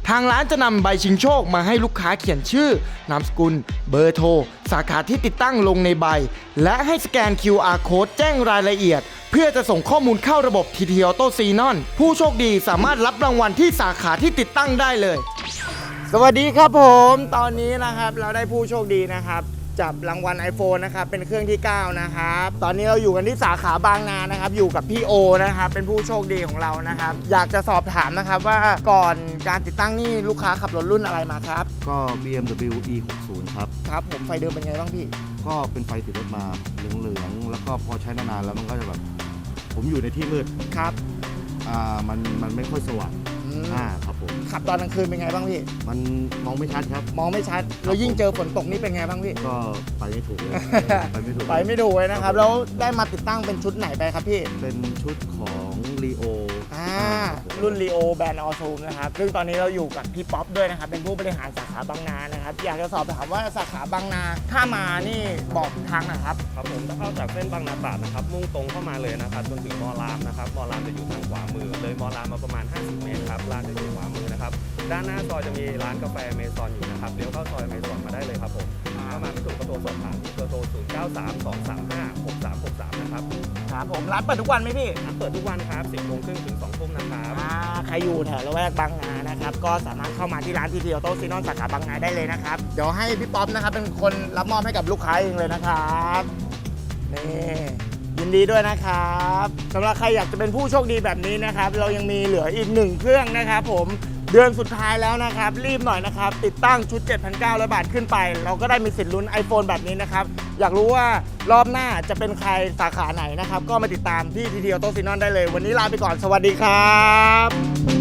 ทางร้านจะนำใบชิงโชคมาให้ลูกค้าเขียนชื่อนามสกุลเบอร์โทรสาขาที่ติดตั้งลงในใบและให้สแกน QR Code แจ้งรายละเอียดเพื่อจะส่งข้อมูลเข้าระบบ TT Auto Xenon ผู้โชคดีสามารถรับรางวัลที่สาขาที่ติดตั้งได้เลยสวัสดีครับผมตอนนี้นะครับเราได้ผู้โชคดีนะครับจับรางวัล iPhone นะครับเป็นเครื่องที่9นะครับตอนนี้เราอยู่กันที่สาขาบางนานะครับอยู่กับพี่โอนะครับเป็นผู้โชคดีของเรานะครับอยากจะสอบถามนะครับว่าก่อนการติดตั้งนี่ลูกค้าขับรถรุ่นอะไรมาครับก็ BMW E60 ครับครับผมไฟเดิมเป็นไงบ้างพี่ก็เป็นไฟติดรถมาเหลืองๆแล้วก็พอใช้นานๆแล้วมันก็จะแบบผมอยู่ในที่มืดครับมันไม่ค่อยสว่างครับผมขับตอนกลางคืนเป็นไงบ้างพี่มันมองไม่ชัดครับมองไม่ชัดแล้วยิ่งเจอฝนตกนี่เป็นไงบ้างพี่ก็ไปไม่ถูกเลยไปไม่ถูกเลยนะครับแล้วได้มาติดตั้งเป็นชุดไหนไปครับพี่เป็นชุดของลีโอรุ่นลีโอแบรนด์ออซูมนะครับซึ่งตอนนี้เราอยู่กับพี่ป๊อปด้วยนะครับเป็นผู้บริหารสาขาบางนานะครับอยากจะสอบถามว่าสาขาบางนาถ้ามานี่บอกทางหน่อยครับครับผมถ้าเข้าจากเส้นบางนาตราดนะครับมุ่งตรงเข้ามาเลยนะครับจนถึงมอรามนะครับมอรามจะอยู่ทางขวามือเลยมอรามมาประมาณ50เมตรครับร้านจะอยู่ขวามือนะครับด้านหน้าซอยจะมีร้านกาแฟเมซอนอยู่นะครับเลี้ยวเข้าซอยเมซอนมาได้เลยครับผมเข้ามาไม่ถูกก็โทรสอบถามที่เบอร์โทร0932356363นะครับครับผมร้านเปิดทุกวันไหมพี่ร้านเปิดทุกวันครับ10 โมงครึ่งถึง2 ทุ่มนะครับใครอยู่แถวละแวกบางนานะครับก็สามารถเข้ามาที่ร้านTT Auto Xenonสาขาบางนาได้เลยนะครับเดี๋ยวให้พี่ป๊อปนะครับเป็นคนรับมอบให้กับลูกค้าเองเลยนะครับนี่ยินดีด้วยนะครับสำหรับใครอยากจะเป็นผู้โชคดีแบบนี้นะครับเรายังมีเหลืออีก1เครื่องนะครับผมเดือนสุดท้ายแล้วนะครับรีบหน่อยนะครับติดตั้งชุด 7,900 บาทขึ้นไปเราก็ได้มีสิทธิ์ลุ้น iPhone แบบนี้นะครับอยากรู้ว่ารอบหน้าจะเป็นใครสาขาไหนนะครับก็มาติดตามที่TT Auto Xenonได้เลยวันนี้ลาไปก่อนสวัสดีครับ